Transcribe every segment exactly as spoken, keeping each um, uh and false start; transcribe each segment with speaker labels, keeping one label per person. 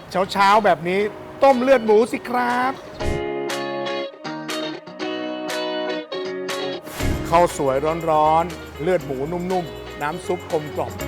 Speaker 1: เช้าๆแบบนี้ต้มเลือดหมูสิครับข้าวสวยร้อนๆเลือดหมูนุ่มๆน้ำซุปกลมกล่อม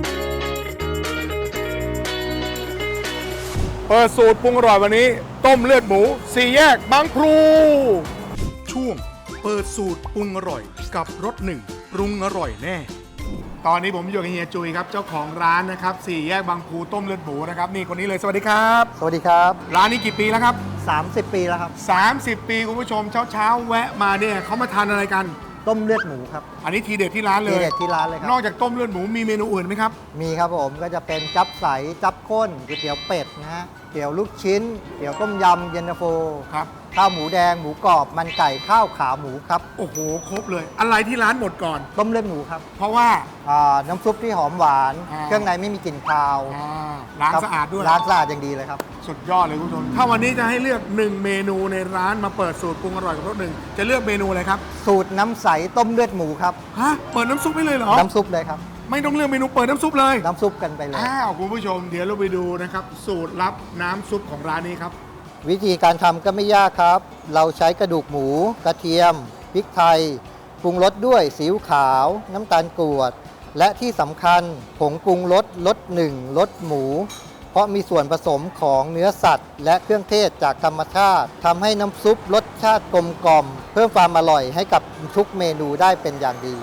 Speaker 1: เปิดสูตรปรุงอร่อยวันนี้ต้มเลือดหมูสี่แยกบางพลูช่วงเปิดสูตรปรุงอร่อยกับรสหนึ่งปรุงอร่อยแน่ตอนนี้ผมอยู่กับเฮียจุยครับเจ้าของร้านนะครับสี่แยกบางพลูต้มเลือดหมูนะครับนี่คนนี้เลยสวัสดีครับ
Speaker 2: สวัสดีครับ
Speaker 1: ร้านนี้กี่ปีแล้วครับ
Speaker 2: สามสิบ ปีแล้วครับ
Speaker 1: สามสิบ ปีคุณผู้ชมเช้าๆแวะมาเนี่ยเขามาทานอะไรกัน
Speaker 2: ต้มเลือดหมูครับ
Speaker 1: อันนี้ทีเด็ดที่ร้านเล
Speaker 2: ที
Speaker 1: ย
Speaker 2: เด็ดที่ร้านเลยครั
Speaker 1: นอกจากต้มเลือดหมูมีเมนูอื่นไหมครับ
Speaker 2: มีครับผมก็จะเป็นจับใสจับข้นก๋วยเตี๋ยวเป็ดนะฮะเตี๋ยวลูกชิ้นเตี๋ยวต้มยำเย็นตาโฟ
Speaker 1: ครับ
Speaker 2: ข้าวหมูแดงหมูกรอบมันไก่ข้าวขาหมูครับ
Speaker 1: โอ้โหครบเลย อะไรที่ร้านหมดก่อน
Speaker 2: ต้มเลือดหมูครับ
Speaker 1: เพราะว่า
Speaker 2: อ่าน้ำซุปที่หอมหวาน
Speaker 1: อ่า
Speaker 2: เครื่องในไม่มีกลิ่นคาว
Speaker 1: อ่าร้าน
Speaker 2: ครับ
Speaker 1: สะอาดด้วย
Speaker 2: ร้านสะอาดอย่างดีเลยครับ
Speaker 1: สุดยอดเลยคุณผู้ชมถ้าวันนี้จะให้เลือกหนึ่งเมนูในร้านมาเปิดสูตรปรุงอร่อยกับรสหนึ่งจะเลือกเมนูอะไรครับ
Speaker 2: สูตรน้ำใสต้มเลือดหมูครับ
Speaker 1: ฮะเปิดน้ำซุปไม่เลยเหรอ
Speaker 2: น้ำซุปเลยครับ
Speaker 1: ไม่ต้องเลือกเมนูเปิดน้ำซุปเลย
Speaker 2: น้ำซุปกันไปเลย
Speaker 1: อ้าวคุณผู้ชมเดี๋ยวเราไปดูนะครับสูตรลับน้ำซุปของร้านนี้ครับ
Speaker 2: วิธีการทำก็ไม่ยากครับ เราใช้กระดูกหมู กระเทียม พริกไทย ปรุงรสด้วยซีอิ๊วขาว น้ำตาลกรวด และที่สำคัญผงปรุงรสรสหนึ่งรสหมู เพราะมีส่วนผสมของเนื้อสัตว์ และเครื่องเทศจากธรรมชาติทำให้น้ำซุปรสชาติกลมกล่อม เพิ่มความอร่อยให้กับทุกเมนูได้เป็นอย่างดี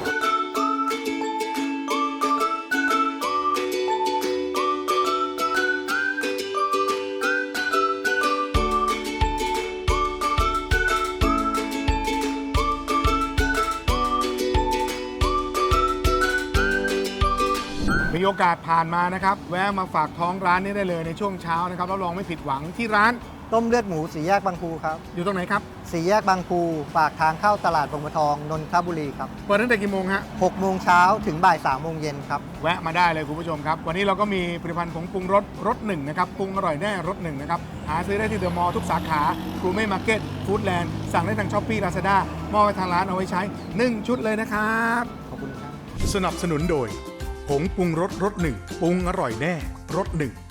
Speaker 1: มีโอกาสผ่านมานะครับแวะมาฝากท้องร้านนี้ได้เลยในช่วงเช้านะครับรับรองไม่ผิดหวังที่ร้าน
Speaker 2: ต้มเลือดหมูสีแยกบางพูครับ
Speaker 1: อยู่ตรงไหนครับ
Speaker 2: สีแยกบางพูปากทางเข้าตลาดบางบัวทองนนทบุรีครับ
Speaker 1: เปิดตั้งแต่กี่โมงฮะ
Speaker 2: หกโมงเช้าถึงบ่ายสามโมงเย็นครับ
Speaker 1: แวะมาได้เลยคุณผู้ชมครับ วันนี้เราก็มีผลิตภัณฑ์ผงปรุงรสรสหนึ่งนะครับปรุงอร่อยแน่รสหนึ่งนะครับหาซื้อได้ที่เดอะมอลล์ทุกสาขาครูเม่มาร์เก็ตฟู้ดแลนด์สั่งได้ทางช้อปปี้ลาซาด้ามอบไปทางร้านเอาไว้ใช้หนึ่งชุดเลยนะครับ
Speaker 2: ขอบคุณครับ
Speaker 1: สนับสนุนโดยผงปรุงรสรสหนึ่งปรุงอร่อยแน่รสหนึ่ง